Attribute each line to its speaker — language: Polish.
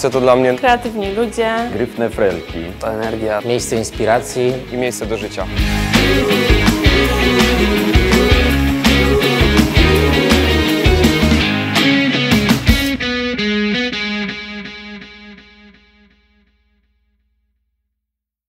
Speaker 1: Kielce to dla mnie
Speaker 2: kreatywni ludzie,
Speaker 3: Gryfne frelki.
Speaker 4: To energia, miejsce inspiracji
Speaker 1: i miejsce do życia.